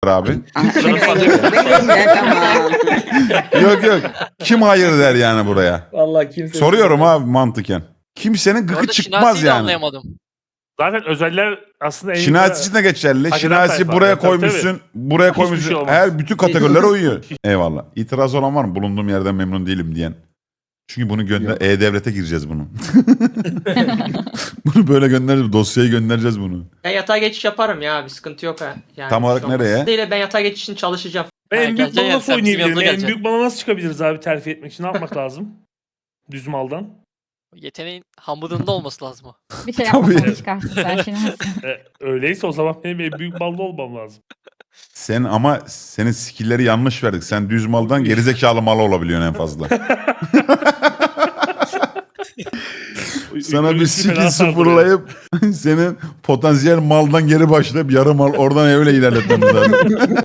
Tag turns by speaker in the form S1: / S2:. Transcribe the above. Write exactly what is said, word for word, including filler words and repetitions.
S1: abi.
S2: Benim de tamam.
S1: Yok yok. Kim hayır der yani buraya?
S3: Vallahi kimse...
S1: Soruyorum abi mantıken. Kimsenin gıkı
S4: Orada
S1: çıkmaz
S4: Şinasi'yi de
S1: yani.
S4: anlayamadım.
S5: Zaten özeller aslında en
S1: Şinasi için de geçerli.
S5: Hak eden
S1: Şinasi
S5: tayfa.
S1: buraya
S5: Tabii, tabii.
S1: koymuşsun. Buraya
S5: Hiçbir
S1: koymuşsun.
S5: şey olmaz.
S1: Her bütün kategorilere uyuyor. Eyvallah. İtiraz olan var mı? Bulunduğum yerden memnun değilim diyen. Çünkü bunu gönder E-Devlet'e gireceğiz bunu. Bunu böyle göndereceğiz. Dosyayı göndereceğiz bunu.
S6: Ben yatağa geçiş yaparım ya, bir sıkıntı yok ha. Yani
S1: Tam olarak
S6: şu an-
S1: nereye?
S6: Değil, ben yatağa geçiş için çalışacağım.
S5: Ben
S4: Ha,
S5: en büyük
S4: geleceksin
S5: bala
S4: yani,
S5: nasıl
S4: sen bizim
S5: oynayabilirim?
S4: yanımıza
S5: En
S4: geleceksin.
S5: büyük bala nasıl çıkabiliriz abi terfi etmek için? Ne yapmak lazım? Düz maldan.
S4: Yeteneğin hamurunda olması lazım o.
S7: Bir şey
S1: Tabii.
S7: yapmadan çıkarsın sen şimdi.
S5: E, öyleyse o zaman benim en büyük balda olmam lazım.
S1: Sen ama senin skill'leri yanlış verdik. Sen düz maldan gerizekalı mal olabiliyorsun en fazla. Sana bir
S5: Fena
S1: skill
S5: saldırıyor.
S1: sıfırlayıp senin potansiyel maldan geri başlayıp yarı mal oradan öyle ilerletmemiz lazım.